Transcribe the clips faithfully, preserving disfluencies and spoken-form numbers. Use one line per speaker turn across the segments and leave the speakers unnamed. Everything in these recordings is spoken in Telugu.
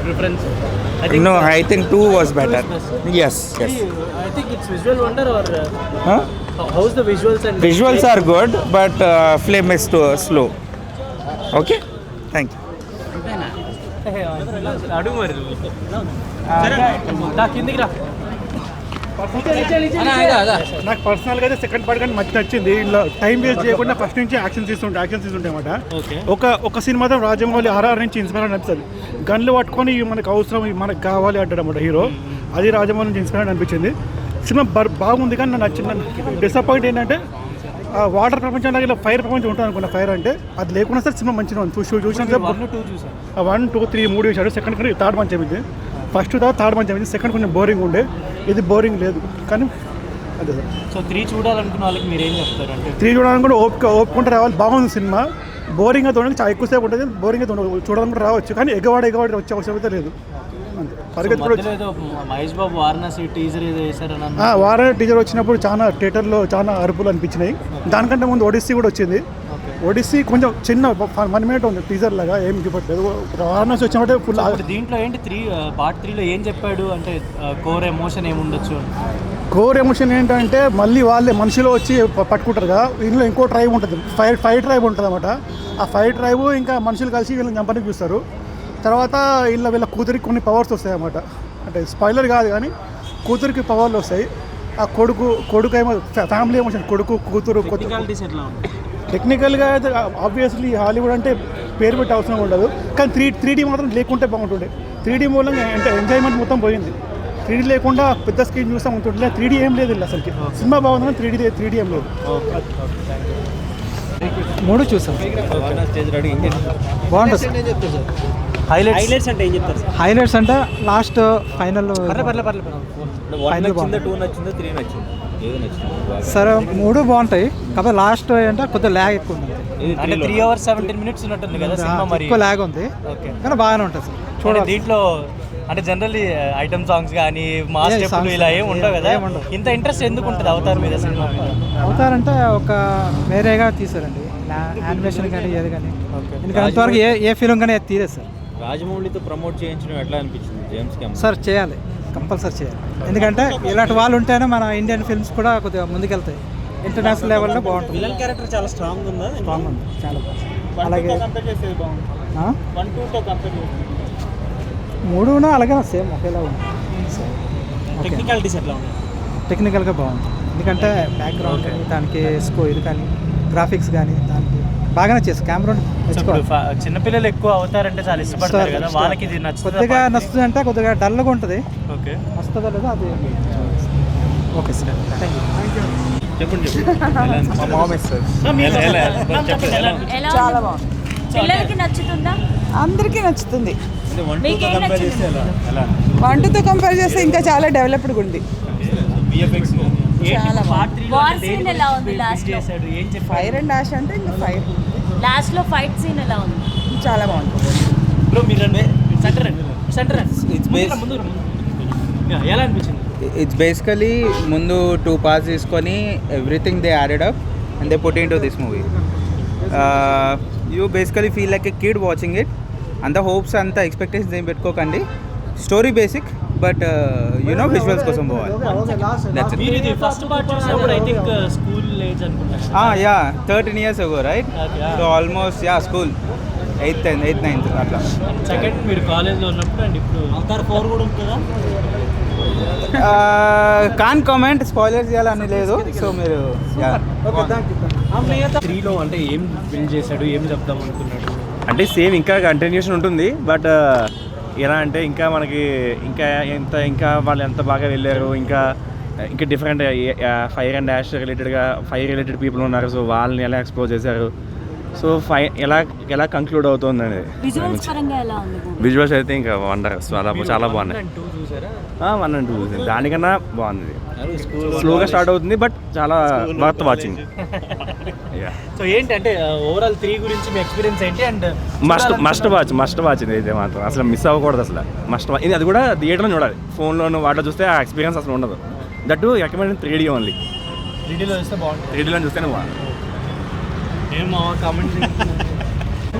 preference? I
think no, I think two was better. Yes, yes.
I think it's visual wonder or uh,
huh?
how's the visuals and
visuals are good, but uh, flame is too slow. Okay, thank you.
అడుగు మరి దా కిందికి రా.
నాకు పర్సనల్గా అయితే సెకండ్ పార్ట్ కానీ మంచి నచ్చింది. ఇందులో టైం వేస్ట్ చేయకుండా ఫస్ట్ నుంచి యాక్షన్ తీసుకుంటే యాక్షన్ తీసుకుంటే అనమాట. ఒక ఒక సీన్ మాత్రం రాజమౌళి ఆర్ఆర్ నుంచి ఇన్స్పైర్ అనిపిస్తుంది. గన్లు పట్టుకొని మనకు అవసరం మనకు కావాలి అంటాడు అనమాట హీరో. అది రాజమౌళి నుంచి ఇన్స్పైర్ అనిపించింది. సినిమా బాగుంది కానీ నాకు నచ్చిన డిసప్పాయింట్ ఏంటంటే వాటర్ ప్రపంచంలో ఇలా ఫైర్ ప్రపంచం ఉంటుంది అనుకున్న ఫైర్ అంటే అది లేకుండా సార్ సినిమా మంచిగా ఉంది. చూసి చూసిన వన్ టూ త్రీ మూడు చూశాడు. సెకండ్ కానీ థర్డ్ మంచి అయింది. ఫస్ట్ తర్వాత థర్డ్ మంచి అయింది. సెకండ్ కొంచెం బోరింగ్ ఉండే, ఇది బోరింగ్ లేదు. కానీ అదే సార్.
సో త్రీ చూడాలనుకున్న వాళ్ళకి మీరు ఏం చెప్తారు? అంటే
త్రీ చూడాలనుకుంటే ఓపిక ఓపుకుంటే రావాలి. బాగుంది సినిమా. బోరింగ్గా చూడడానికి చాలా ఎక్కువసేపు ఉంటుంది. బోరింగ్గా చూడాలనుకుంటే రావచ్చు, కానీ ఎగవాడ ఎగవాడి వచ్చే అవసరం అయితే లేదు.
మహేష్ బాబు వారణాసి టీజర్ ఏదో వేసారని
వారణాసి టీజర్ వచ్చినప్పుడు చాలా థియేటర్లో చాలా అరుపులు అనిపించినాయి. దానికంటే ముందు ఒడిస్సీ కూడా వచ్చింది. ఒడిస్సీ కొంచెం చిన్న వన్ మినిట్ ఉంది టీజర్ లాగా, ఏం చెప్పట్లేదు. వారణాసి వచ్చినట్టే ఫుల్.
దీంట్లో ఏంటి త్రీ పార్ట్ త్రీలో ఏం చెప్పాడు అంటే కోర్ ఎమోషన్ ఏముండొచ్చు?
కోర్ ఎమోషన్ ఏంటంటే మళ్ళీ వాళ్ళే మనుషులు వచ్చి పట్టుకుంటారు కదా. ఇందులో ఇంకో ట్రైబ్ ఉంటుంది, ఫైర్ ఫైర్ ట్రైబ్ ఉంటుంది అనమాట. ఆ ఫైర్ ట్రైబ్ ఇంకా మనుషులు కలిసి వీళ్ళని చంపడానికి చూస్తారు. తర్వాత వీళ్ళ వీళ్ళ కూతురికి కొన్ని పవర్స్ వస్తాయి అన్నమాట. అంటే స్పాయిలర్ కాదు కానీ కూతురికి పవర్లు వస్తాయి. ఆ కొడుకు కొడుకు ఏమో ఫ్యామిలీ ఎమోషన్, కొడుకు కూతురు. టెక్నికల్గా అయితే ఆబ్వియస్లీ హాలీవుడ్ అంటే పేరు పెట్టి అవసరం ఉండదు, కానీ త్రీ త్రీ డీ మాత్రం లేకుంటే బాగుంటుండే. త్రీ డీ మూలంగా అంటే ఎంజాయ్మెంట్ మొత్తం పోయింది. త్రీ డీ లేకుండా పెద్ద స్క్రీన్ చూస్తాం ఉంటుండే. త్రీ డీ ఏం లేదు ఇలా అసలుకి. సినిమా బాగుంది, త్రీ డీ త్రీ డీ ఏం లేదు.
మూడు చూసాం, బాగుంటుంది.
హైలైట్స్ అంటే ఏం చెప్తారు?
హైలైట్స్ అంటే లాస్ట్ ఫైనల్ సరే మూడు బాగుంటాయి, కాకపోతే లాస్ట్ అంటే కొద్దిగా ల్యాగ్ ఎక్కువ ఉంది.
అంటే త్రీ అవర్స్ సెవెంటీన్ మినిట్స్ ఉన్నట్టుంది కదా సినిమా, మరి
ఎక్కువ ల్యాగ్ ఉంది కానీ బాగానే ఉంటుంది సార్ చూడండి.
దీంట్లో అంటే జనరల్లీ ఐటమ్ సాంగ్స్ కానీ మాస్ స్టెప్లు ఇలా ఏమి ఉండవు కదా, ఇంత ఇంట్రెస్ట్ ఎందుకు ఉంటుంది అవతార్ మీద సినిమా మీద?
అవతార్ అంటే ఒక వేరేగా తీసారండి, యానిమేషన్ కానీ ఏది కానీ. ఎందుకంటే అంతవరకు ఏ ఏ ఫిలిం కానీ తీరే సార్.
రాజమౌళితో ప్రమోట్ చేయించడం ఎట్లా అనిపించింది జేమ్స్ కెమెరాన్?
సార్ చేయాలి, కంపల్సరీ చేయాలి. ఎందుకంటే ఇలాంటి వాళ్ళు ఉంటేనే మన ఇండియన్ ఫిల్మ్స్ కూడా కొద్దిగా ముందుకెళ్తాయి, ఇంటర్నేషనల్ లెవెల్లో బాగుంటుంది.
విలన్ క్యారెక్టర్ చాలా స్ట్రాంగ్ ఉందా?
స్ట్రాంగ్ ఉంది, చాలా బాగుంది. అలాగే మూడునా అలాగే సేమ్ ఒకేలా ఉంది.
టెక్నికాలిటీస్ ఎట్లా ఉన్నాయి?
టెక్నికల్గా బాగుంది, ఎందుకంటే బ్యాక్గ్రౌండ్ కానీ దానికి స్కో ఇది కానీ గ్రాఫిక్స్ కానీ దానికి బాగానే చేసి కెమెరా
చిన్నపిల్లలు ఎక్కువ అవుతారంటే చాలా ఇష్టపడతారు కదా, వాళ్ళకి ఇది నచ్చుతుంది.
కొద్దిగా నచ్చుతుంది అంటే కొద్దిగా డల్గా ఉంటుంది.
ఓకే,
వస్తుందా లేదా అది. Okay sir, thank you.
చెప్పండి
చాలా బాగుంది. పిల్లలకి నచ్చుతుందా? అందరికీ నచ్చుతుంది. వన్ టూతో కంపేర్ చేస్తే ఇంకా చాలా డెవలప్డ్గా ఉంది. ఫైర్ అండ్ డాష్ అంటే ఇంకా ఫైర్.
లాస్ట్ లో ఫైట్ సీన్ ఎలా ఉంది?
చాలా బాగుంది.
ఎలా అనిపించింది?
ఇట్స్ బేసికలీ ముందు టూ పార్ట్స్ తీసుకొని everything they added up and they put into this movie. You basically feel like a kid watching it. అంత హోప్స్ అంత ఎక్స్పెక్టేషన్స్ ఏం పెట్టుకోకండి. Story basic but you know visuals కోసం పోవాలి. Yeah thirteen years ago right, so almost yeah school eighth eighth ninth అట్లా.
సెకండ్ మీరు కాలేజ్లో ఉన్నప్పుడు అండ్ ఇప్పుడు అవతార్ ఫోర్ కూడా ఉంటుందా?
కాన్ కామెంట్, స్పాయిలర్స్ చేయాలని లేదు. సో మీరు
త్రీలో అంటే ఏం బిల్డ్ చేశాడు, ఏం చెప్దాం అనుకున్నాడు?
అంటే సేమ్ ఇంకా కంటిన్యూషన్ ఉంటుంది, బట్ ఎలా అంటే ఇంకా మనకి ఇంకా ఎంత ఇంకా వాళ్ళు ఎంత బాగా వెళ్ళారు, ఇంకా ఇంకా డిఫరెంట్ ఫైర్ అండ్ డాష్ రిలేటెడ్గా ఫైర్ రిలేటెడ్ పీపుల్ ఉన్నారు, సో వాళ్ళని ఎలా ఎక్స్ప్లోర్ చేశారు, సో ఫై ఎలా ఎలా కంక్లూడ్ అవుతుంది అనేది. విజువల్స్ అయితే ఇంకా వండర్, చాలా చాలా బాగున్నాయి. వన్ అండ్ టూ దానికన్నా బాగుంది. స్లోగా స్టార్ట్ అవుతుంది బట్ చాలా వర్త్ వాచింగ్.
సో ఏంటి అంటే ఓవరాల్ త్రీ గురించి మీ ఎక్స్పీరియన్స్ ఏంటి? And
must must watch must watch ఇది అయితే మాత్రం అసలు మిస్ అవ్వకూడదు. అసలు మస్ట్ వాచ్ ఇది, అది కూడా థియేటర్లో చూడాలి. ఫోన్లోను వాటిలో చూస్తే ఆ ఎక్స్పీరియన్స్ అసలు ఉండదు. That recommend three D only.
Three డీలో చూస్తే బాగుంటుంది.
త్రీ డీలో చూస్తేనే బాగుంది.
ఏమో కామెంట్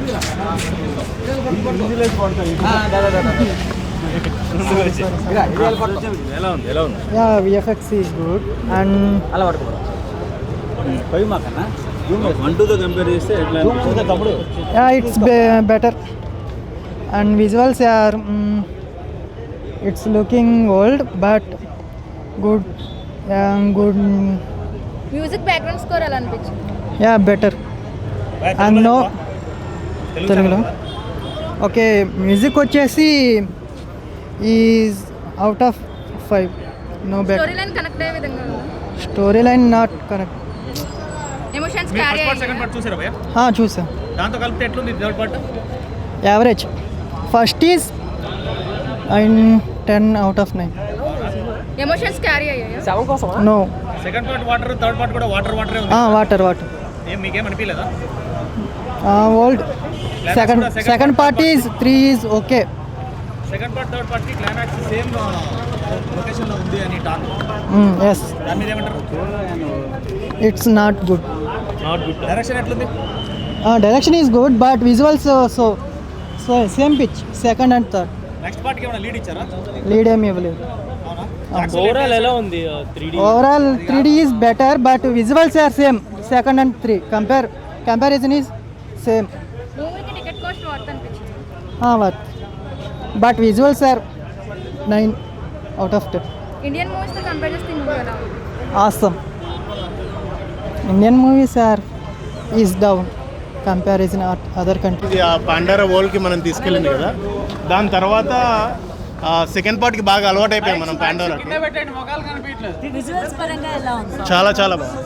ఎలా ఉంది ఎలా ఉంది
yeah VFX is good and
అలా పడుకో పోయి మాకన్నా వన్ టూతో కంపేర్ చేస్తే ఎట్లా తమ్ముడు
yeah it's better and visuals are it's looking old but good good
music background score ఎలా అనిపించింది?
యా బెటర్ అండ్ నో తెలుగులో ఓకే మ్యూజిక్ వచ్చేసి is out of five no better
story line connect అయ్యే విధంగా ఉందా?
Story line not correct
emotions carry
second part చూసారా భయ్యా?
చూసా
దాంతో కలిపితే ఎట్లుంది third part?
Average first is and ten out of nine
emotions carry అయ్యాయా?
No
second part water, third part కూడా వాటర్ వాటరే ఉంది.
వాటర్ వాటర్
ఏం మీకేం అనిపించలేదా?
Old second second part is three is okay
second part third part కి క్లైమాక్స్ సేమ్ లొకేషన్ లో ఉంది అని టాక్.
ఎస్
దాని మీద ఏమంటారు?
It's not good
not good. Direction ఎట్లుంది?
Direction is good but visuals so so same pitch second and third
next part కి ఏమైనా లీడ్ ఇచ్చారా?
లీడ్ ఏమి ఇవ్వలేదు
ఓవరాల్ ఎలా ఉంది three D?
Overall three D is better but visuals are same second and three compare comparison is same
మూవీకి టికెట్ కాస్ట్ వర్త్ అనిపించింది?
What but visuals are nine out of ten
Indian మూవీస్తో కంపేర్ చేస్తే మూవీ ఎలా ఉంది?
Awesome Indian movies are is down comparison other country
ఇది ఆ పాండారా వరల్డ్కి మనం తీసుకెళ్ళింది కదా, దాని తర్వాత సెకండ్ పార్ట్కి బాగా అలవాటు అయిపోయాం మనం పాండోరాకి.
విజువల్స్ పరంగా ఎలా ఉంది?
చాలా చాలా బాగుంది.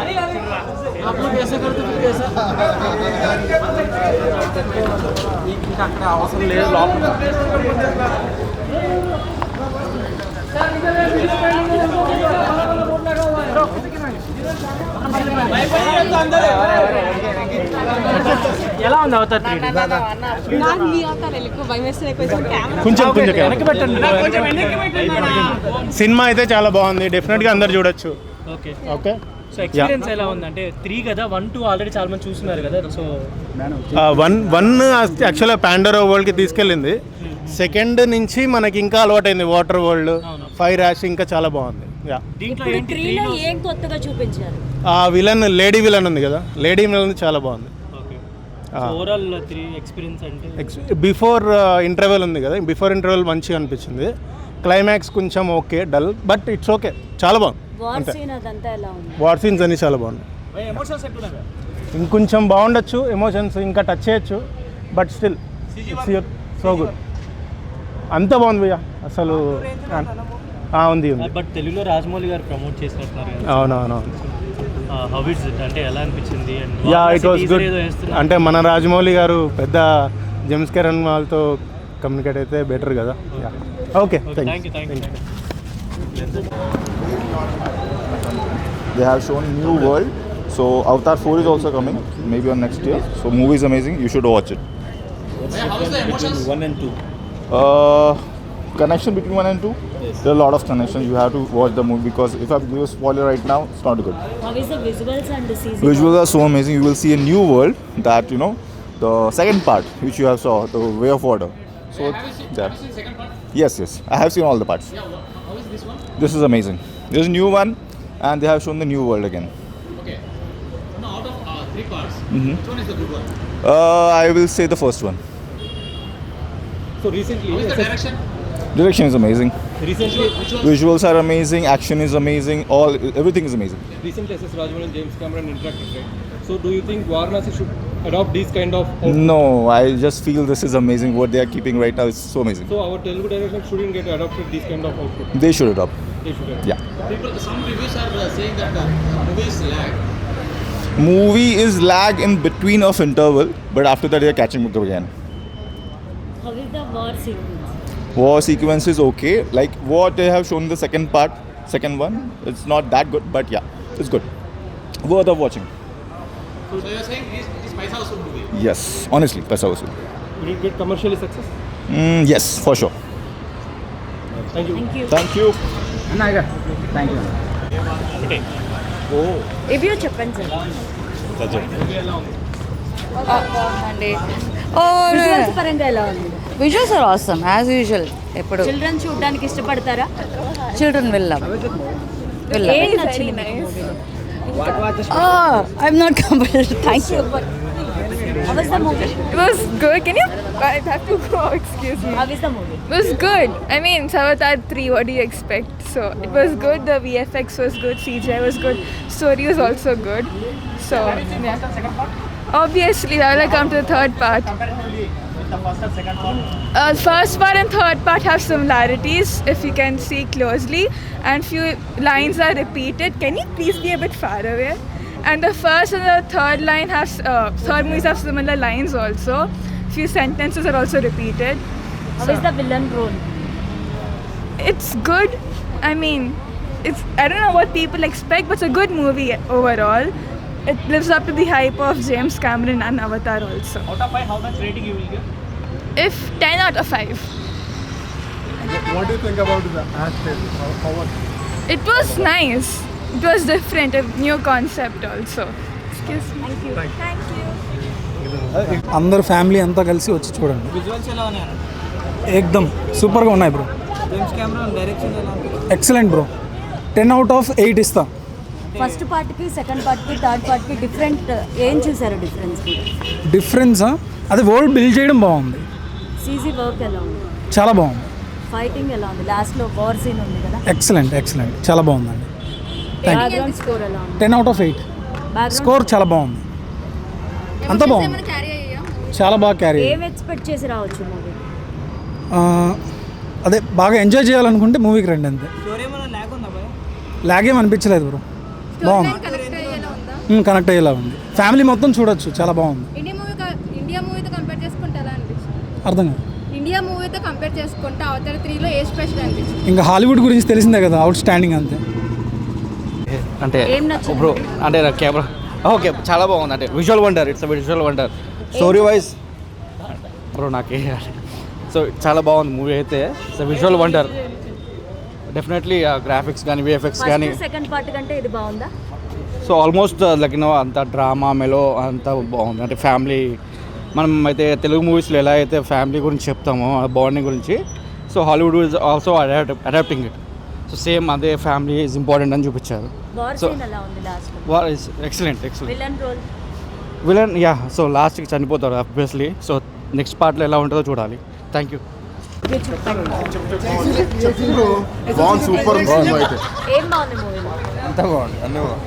అవసరం లేదు లోపల
ఎలా ఉంది అవతార్ త్రీ డి?
కొంచెం కొంచెం సినిమా అయితే చాలా బాగుంది, డెఫినెట్గా అందరు చూడొచ్చు.
ఓకే
ఓకే
సో ఎక్స్పీరియన్స్ ఎలా ఉంది? అంటే త్రీ కదా, వన్ టూ ఆల్రెడీ చాలా మంది చూస్తున్నారు కదా. సో
వన్ వన్ యాక్చువల్గా పాండోరా వరల్డ్కి తీసుకెళ్ళింది. సెకండ్ నుంచి మనకి ఇంకా అలవాటైంది వాటర్ వరల్డ్, ఫైర్ యాష్ ఇంకా చాలా బాగుంది. యా
దీంట్లో
ఇప్పుడు
ఏంటి
త్రీలో ఏం కొత్తగా చూపించారు?
ఆ విలన్ లేడీ విలన్ ఉంది కదా, లేడీ విలన్ చాలా బాగుంది.
ఓకే ఓవరాల్ త్రీ ఎక్స్పీరియన్స్ అంటే
బిఫోర్ ఇంటర్వెల్ ఉంది కదా, బిఫోర్ ఇంటర్వెల్ మంచిగా అనిపించింది. క్లైమాక్స్ కొంచెం okay dull, but it's okay, చాలా బాగుంది.
వార్
అంతే,
సీన్ అదంతా ఎలా ఉంది?
వార్ సీన్స్ అన్ని చాలా బాగున్నాయి.
ఎమోషన్స్ ఎట్లున్నాయి?
ఇంకొంచెం బాగుండొచ్చు, ఎమోషన్స్ ఇంకా టచ్ చేయొచ్చు, బట్ స్టిల్ సో గుడ్. అంత బాగుంది భయ్యా అసలు. ఉంది ఉంది
బట్ తెలుగులో రాజమౌళి గారు ప్రమోట్ చేసినట్టున్నారు కదా.
అవునవునవును.
హౌ ఇట్స్ ఇట్ అంటే ఎలా అనిపించింది?
Yeah it was good. అంటే మన రాజమౌళి గారు పెద్ద జేమ్స్ కెరన్ వాళ్ళతో కమ్యూనికేట్ అయితే బెటర్ కదా. Yeah okay, thank you thank you.
They have shown new world. So Avatar four is also coming, maybe on next year. So movie is amazing. You should watch it.
how is the emotions one and two?
Uh, connection between one and two. Yes. There are a lot of connections. You have to watch the movie because if I give a spoiler right now, it's not good.
How is the visuals and the season?
Visuals are so amazing. You will see a new world that you know. The second part, which you have saw, the Way of Water. So
Have you seen,
yeah.
have you seen second part?
Yes, yes. I have seen all the parts.
Yeah, wha- how is this one?
This is amazing. There's a new one, and they have shown the new world again.
Okay. Now out of uh, three parts,
Mhm.
which one is the good one?
Uh, I will say the first one.
So recently, how is the direction?
Direction is amazing.
Recently, which one?
Visuals are amazing. Action is amazing. All everything is amazing.
Recently, S S Rajamouli and James Cameron interacted, right? So, do you think Varanasi should adopt these kind of?
No, I just feel this is amazing. What they are keeping right now is so amazing.
So, our Telugu direction shouldn't get adopted these kind of output.
They should adopt.
They should. Adopt.
Yeah.
People, some reviews are uh, saying that the movie is lag.
Movie is lag in between of interval, but after that they are catching up again.
How is the war sequence?
War sequence is okay. Like what they have shown in the second part, second one, it's not that good, but yeah, it's good. Worth of watching.
So you are saying this is Paisa Vasool movie?
Yes, honestly, Paisa Vasool.
Will it get commercially success?
Mm, yes, for sure.
Thank you.
Thank you.
Thank you.
Thank you.
Review చెప్పండి సార్.
బాగుందండి.
విజువల్స్ పరంగా ఎలా ఉంది?
Visuals are awesome as usual. ఎప్పుడు
చిల్డ్రన్ చూడడానికి ఇష్టపడతారా?
చిల్డ్రన్ వెళ్ళాం
ఏం నచ్చింది మీకు మూవీలో?
I'm not comfortable. Thank you.
How was the movie?
It was good. Can you? I have to go. Excuse me.
How is the movie?
It was good. I mean, Avatar three, what do you expect? So, it was good. The V F X was good. C G I was good. Story was also good. So, yeah. Obviously, I will come to the third part. Uh, first part and third part have similarities if you can see closely, and few lines are repeated. Can you please be a bit far away? And the first and the third line have uh, third movies have similar lines also. Few sentences are also repeated.
How is the villain role?
It's good. I mean, it's I don't know what people expect, but it's a good movie overall. It lives up to the hype of James Cameron and Avatar also.
Out of five, how much rating you will give?
If ten out of five.
What do you think about the acting? How, how was
It was nice. It was different, a new concept also. Excuse me. Thank you. Thank you.
అందరు ఫ్యామిలీ అంతా కలిసి వచ్చి చూడండి.
విజువల్స్ ఎలా ఉన్నాయి?
ఏకదమ్ సూపర్గా ఉన్నాయి బ్రో.
జేమ్స్ కెమెరాన్ డైరెక్షన్ ఎలా ఉంది?
Excellent bro. Ten out of eight ఇస్తా.
ఫస్ట్ పార్ట్కి సెకండ్ పార్ట్కి థర్డ్ పార్ట్కి డిఫరెంట్ ఏం చూసారు డిఫరెన్స్?
డిఫరెన్సా అదే వరల్డ్ బిల్డ్ చేయడం బాగుంది.
సీజీ వర్క్ ఎలా ఉంది?
చాలా బాగుంది.
ఫైటింగ్ ఎలా ఉంది? లాస్ట్లో వార్ సీన్ ఉంది కదా.
ఎక్సలెంట్ ఎక్సలెంట్ చాలా బాగుందండి.
బ్యాక్గ్రౌండ్ స్కోర్ ఎలా ఉంది?
Ten out of eight. Score చాలా బాగుంది. అంతా బాగుంది. చాలా బాగా క్యారీ.
ఏం ఎక్స్పెక్ట్ చేసి రావచ్చు మూవీ?
అదే బాగా ఎంజాయ్ చేయాలనుకుంటే మూవీకి రండి అంతే.
స్టోరీ ఏమైనా ల్యాగ్ ఉందా భయ?
లాగ్ ఏం అనిపించలేదు బ్రో. బాగుంది. కనెక్ట్ అయ్యేలా ఉంది. ఫ్యామిలీ మొత్తం చూడొచ్చు. చాలా బాగుంది.
ఇండియా మూవీ ఇండియా మూవీతో కంపేర్ చేసుకుంటే ఎలా అనిపించింది?
అర్థం కాదు.
ఇండియా మూవీతో కంపేర్ చేసుకుంటే అవతార్ త్రీలో ఏ స్పెషల్ అనిపించింది?
ఇంకా హాలీవుడ్ గురించి తెలిసిందే కదా, అవుట్ స్టాండింగ్ అంతే.
అంటే
ఏం నచ్చింది?
బ్రో అంటే కెమెరా ఓకే చాలా బాగుంది. అంటే visual wonder, it's visual wonder. Story wise bro నాకే సో చాలా బాగుంది మూవీ అయితే. It's visual wonder definitely. Graphics కానీ విఎఫ్ఎక్స్ కానీ
సెకండ్ పార్ట్ కంటే ఇది బాగుందా?
సో ఆల్మోస్ట్ లైక్ నో అంత డ్రామా మెలో అంతా బాగుంది. అంటే ఫ్యామిలీ మనం అయితే తెలుగు మూవీస్లో ఎలా అయితే ఫ్యామిలీ గురించి చెప్తామో బాండింగ్ గురించి, so Hollywood is also adapt adapting it. So same అదే ఫ్యామిలీ ఈజ్ ఇంపార్టెంట్ అని చూపించారు.
వార్
సో
సీన్ ఎలా ఉంది లాస్ట్లో?
War is excellent excellent.
Villain role
villain yeah so లాస్ట్కి చనిపోతారు ఆబ్వియస్లీ. సో నెక్స్ట్ పార్ట్లో ఎలా ఉంటుందో చూడాలి. Thank you.
సూపర్ అయితే
ఏం బాగుంది మూవీలో?
అంతా బాగుంది, అన్నీ బాగుంది.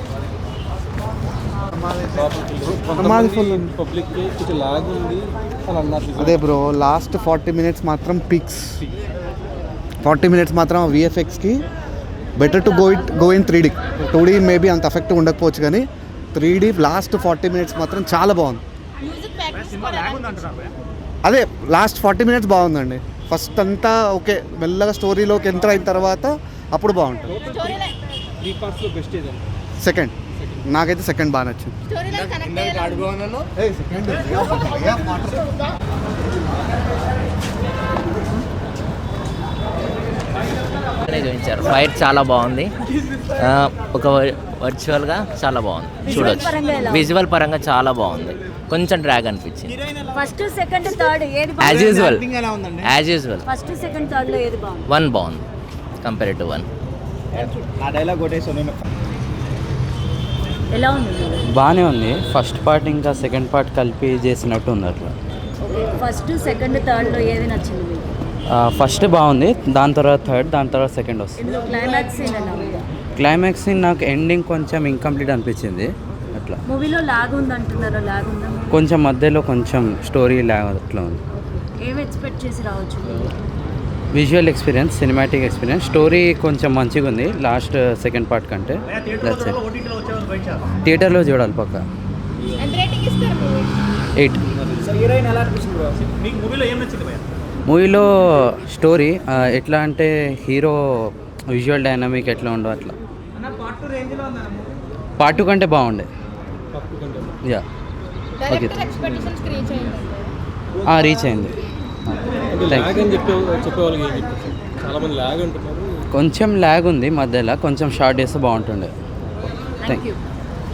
పబ్లిక్కి కొంచెం లాగ్ ఉంది అని అన్నారు.
అదే బ్రో లాస్ట్ ఫార్టీ మినిట్స్ మాత్రం పిక్స్. ఫార్టీ మినిట్స్ మాత్రం విఎఫ్ఎక్స్కి better to go it go in three D. Two D maybe అంత ఎఫెక్ట్ ఉండకపోవచ్చు, కానీ three D last forty minutes మాత్రం చాలా బాగుంది. అదే లాస్ట్ ఫార్టీ మినిట్స్ బాగుందండి. ఫస్ట్ అంతా ఓకే, మెల్లగా స్టోరీలోకి ఎంటర్ అయిన తర్వాత అప్పుడు బాగుంటుంది.
త్రీ పార్ట్స్లో బెస్ట్ ఏదండి?
సెకండ్ నాకైతే సెకండ్ బాగా నచ్చింది.
చూపించారు. ఫైట్ చాలా బాగుంది. ఒక వర్చువల్గా చాలా బాగుంది, చూడొచ్చు. విజువల్ పరంగా చాలా బాగుంది. కొంచెం డ్రాగ్ అనిపించింది.
ఫస్ట్ సెకండ్ థర్డ్ ఏది
as usual as usual
first second third లో ఏది బాగుంది?
వన్ బాగుంది కంపేర్ టు వన్.
ఎలా ఉంది?
బాగానే ఉంది. ఫస్ట్ పార్ట్ ఇంకా సెకండ్ పార్ట్ కలిపి చేసినట్టు ఉంది అట్లా.
ఫస్ట్ సెకండ్ థర్డ్ లో ఏది నచ్చింది మీకు?
ఫస్ట్ బాగుంది, దాని తర్వాత థర్డ్, దాని తర్వాత సెకండ్ వస్తుంది.
ఇందులో క్లైమాక్స్ సీన్ ఎలా ఉంది?
క్లైమాక్స్ సీన్ నాకు ఎండింగ్ కొంచెం ఇంకంప్లీట్ అనిపించింది అట్లా.
మూవీలో లాగ్ ఉంది అంటున్నారు, లాగ్ ఉందా?
కొంచెం మధ్యలో కొంచెం స్టోరీ లాగ్ అట్లా ఉంది.
ఏం ఎక్స్పెక్ట్ చేసి రావచ్చు?
Visual experience, cinematic experience, story కొంచెం మంచిగా ఉంది లాస్ట్ సెకండ్ పార్ట్ కంటే. థియేటర్లో చూడాలి పక్క. ఎయిట్. మూవీలో స్టోరీ ఎట్లా అంటే హీరో విజువల్ డైనమిక్ ఎట్లా ఉండవు అట్లా. పార్ట్ టూ కంటే బాగుండే. యా ఓకే రీచ్ అయింది. కొంచెం ల్యాగ్ ఉంది మధ్యలో, కొంచెం షార్ట్ చేస్తే బాగుంటుండే. Thank you.